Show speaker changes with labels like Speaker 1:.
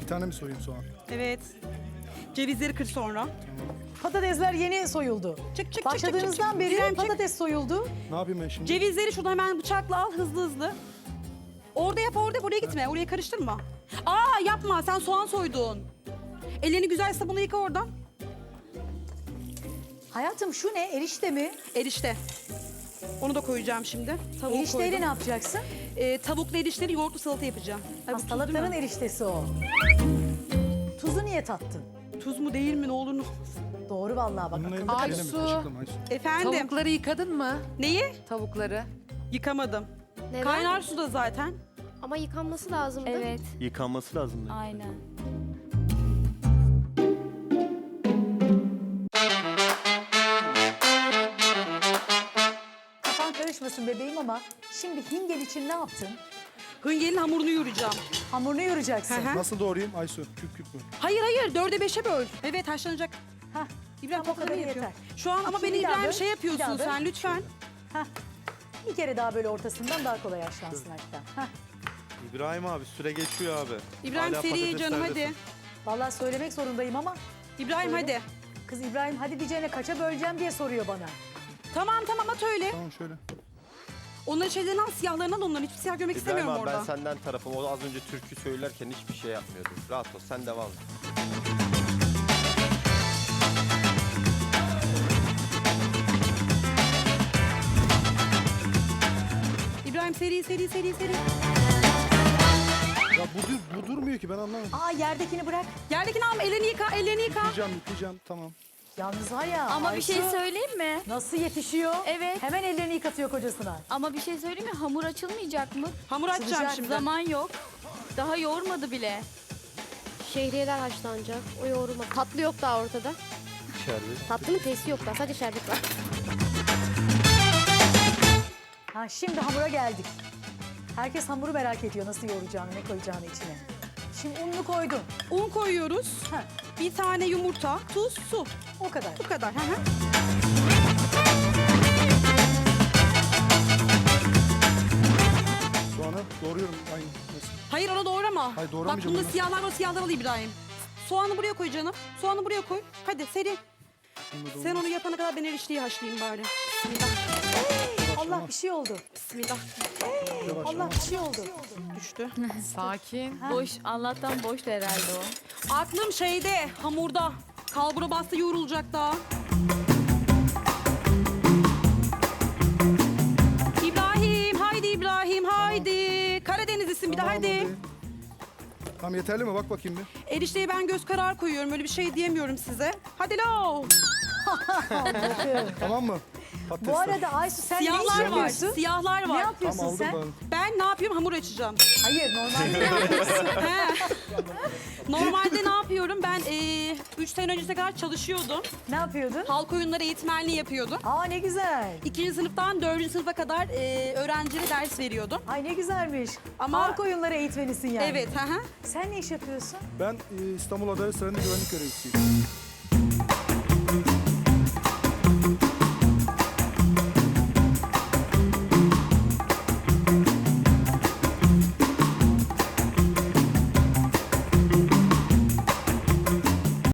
Speaker 1: tane mi soyayım soğan?
Speaker 2: Evet. Cevizleri kır sonra.
Speaker 3: Patatesler yeni soyuldu.
Speaker 2: Çık.
Speaker 3: Başladığınızdan beri
Speaker 2: İbrahim, çık.
Speaker 3: patates soyuldu.
Speaker 1: Ne yapayım ben şimdi?
Speaker 2: Cevizleri şuradan hemen bıçakla al hızlı. Orada yap orada, buraya gitme. Oraya karıştırma. Aa yapma, sen soğan soydun. Ellerini güzel sabunla yıka oradan.
Speaker 3: Hayatım şu ne? Erişte mi?
Speaker 2: Erişte. Onu da koyacağım şimdi. Tavuğu
Speaker 3: Erişteyle
Speaker 2: koydum.
Speaker 3: ne yapacaksın?
Speaker 2: Tavuklu erişteli yoğurtlu salata yapacağım. Ay, bu tuz değil
Speaker 3: Salataların
Speaker 2: mi?
Speaker 3: eriştesi o. Tuzu niye tattın?
Speaker 2: Tuz mu değil mi ne olur ne olmaz.
Speaker 3: Doğru vallahi bak.
Speaker 1: Bunun
Speaker 3: akıllı
Speaker 1: elinde
Speaker 3: kadın.
Speaker 1: şeyle mi?
Speaker 4: Aysu.
Speaker 1: Kaşıkla mı Aysu?
Speaker 2: Efendim,
Speaker 4: Tavukları yıkadın mı?
Speaker 2: neyi?
Speaker 4: Tavukları.
Speaker 2: Yıkamadım.
Speaker 5: Neden?
Speaker 2: Kaynar suda zaten.
Speaker 5: Ama yıkanması lazımdı.
Speaker 6: Evet,
Speaker 7: Yıkanması lazım.
Speaker 6: aynen.
Speaker 3: Kafan karışmasın bebeğim ama şimdi hingel için ne yaptın?
Speaker 2: Hıngelin hamurunu yoğuracağım.
Speaker 3: Hamurunu yoracaksın.
Speaker 2: Hı hı.
Speaker 1: Nasıl doğrayayım Aysu? Küp küp mü?
Speaker 2: Hayır 4'e 5'e böl. Evet haşlanacak.
Speaker 3: Hah,
Speaker 2: İbrahim
Speaker 3: Tamam, o
Speaker 2: topları
Speaker 3: kadar
Speaker 2: yapıyor.
Speaker 3: yeter.
Speaker 2: Şu an ama
Speaker 3: İki,
Speaker 2: beni
Speaker 3: bir daha
Speaker 2: İbrahim
Speaker 3: böl,
Speaker 2: şey
Speaker 3: bir
Speaker 2: yapıyorsun
Speaker 3: daha böl.
Speaker 2: sen lütfen.
Speaker 3: bir kere daha böyle ortasından daha kolay haşlansın hatta. Hah.
Speaker 7: İbrahim abi süre geçiyor abi.
Speaker 2: İbrahim
Speaker 7: Hala
Speaker 2: seri canım hadi.
Speaker 7: patateslerdesin.
Speaker 3: Vallahi söylemek zorundayım ama
Speaker 2: İbrahim
Speaker 3: Söyle.
Speaker 2: hadi.
Speaker 3: kız İbrahim hadi diyeceğine kaça böleceğim diye soruyor bana.
Speaker 2: Tamam at öyle.
Speaker 1: Tamam şöyle.
Speaker 2: Onların şeylerini al siyahlarını al onların. Hiçbir siyah görmek
Speaker 7: İbrahim
Speaker 2: istemiyorum
Speaker 7: abi ben
Speaker 2: orada.
Speaker 7: senden tarafım. O az önce türkü söylerken hiçbir şey yapmıyordu. Rahat ol sen devam et.
Speaker 2: İbrahim seri.
Speaker 1: Ya bu durmuyor ki ben anlamadım.
Speaker 3: Aa yerdekini bırak.
Speaker 2: Yerdekini alma ellerini yıka.
Speaker 1: Yıkayacağım tamam.
Speaker 3: Yalnız var ya.
Speaker 6: Ama bir şey
Speaker 3: Aysu
Speaker 6: söyleyeyim mi?
Speaker 3: nasıl yetişiyor?
Speaker 6: Evet.
Speaker 3: Hemen ellerini yıkatıyor kocasına.
Speaker 6: Ama bir şey söyleyeyim mi? Hamur açılmayacak mı?
Speaker 2: Hamur açacağım
Speaker 3: Sıcak
Speaker 2: şimdi.
Speaker 6: Zaman yok. Daha yoğurmadı bile.
Speaker 5: Şehriyeler haşlanacak. O yoğurma. Tatlı yok daha ortada.
Speaker 7: Şerbet.
Speaker 5: Tatlının testi yok daha. Sadece şerbet var.
Speaker 3: Ha şimdi hamura geldik. Herkes hamuru merak ediyor nasıl yoğuracağını, ne koyacağını içine. Şimdi ununu koydun.
Speaker 2: Un koyuyoruz.
Speaker 3: Ha,
Speaker 2: Bir tane yumurta, tuz, su.
Speaker 3: o kadar.
Speaker 2: Bu kadar. Hı hı.
Speaker 1: Soğanı doğruyorum. Aynı. Nasıl?
Speaker 2: Hayır onu doğrama.
Speaker 1: Hayır,
Speaker 2: Bak
Speaker 1: doğramayacağım
Speaker 2: bunda
Speaker 1: onu.
Speaker 2: siyahlar var, siyahlar al İbrahim. Soğanı buraya koy canım. Soğanı buraya koy. Hadi seri.
Speaker 1: Bunu da
Speaker 2: Sen onu yapana kadar ben erişteyi haşlayayım bari. Bismillah.
Speaker 3: Allah bir şey oldu.
Speaker 2: Bismillah.
Speaker 1: yavaş
Speaker 3: Allah
Speaker 1: yavaş.
Speaker 3: bir şey oldu.
Speaker 2: Düştü.
Speaker 4: Sakin.
Speaker 6: Boş, Allah'tan boştu herhalde o.
Speaker 2: Aklım şeyde, hamurda. Kalbura bastı yoğrulacak daha. İbrahim, haydi. Karadenizlisin bir de
Speaker 1: Tamam,
Speaker 2: haydi.
Speaker 1: Tamam yeterli mi? Bak bakayım bir.
Speaker 2: Erişteye ben göz kararı koyuyorum. Öyle bir şey diyemiyorum size. Hadi lo.
Speaker 1: Tamam mı? Patatesler.
Speaker 3: Bu arada Aysu sen ne iş
Speaker 2: Siyahlar var.
Speaker 3: yapıyorsun?
Speaker 2: Siyahlar
Speaker 3: Ne
Speaker 2: var.
Speaker 3: yapıyorsun
Speaker 1: Tamam aldım
Speaker 3: sen?
Speaker 1: ben.
Speaker 2: Ben ne yapıyorum? Hamur açacağım.
Speaker 3: Hayır normalde ne yapıyorsun?
Speaker 2: He. Normalde ne yapıyorum? Ben 3 sene öncesine kadar çalışıyordum.
Speaker 3: Ne yapıyordun?
Speaker 2: Halk oyunları eğitmenliği yapıyordum.
Speaker 3: Aa ne güzel.
Speaker 2: 2. sınıftan 4. sınıfa kadar öğrencilere ders veriyordum.
Speaker 3: Ay ne güzelmiş.
Speaker 2: Ama-
Speaker 3: Halk oyunları eğitmenisin yani.
Speaker 2: Evet, hı hı.
Speaker 3: Sen ne iş yapıyorsun?
Speaker 1: Ben İstanbul Adalet Sarayı'nda güvenlik görevlisiyim.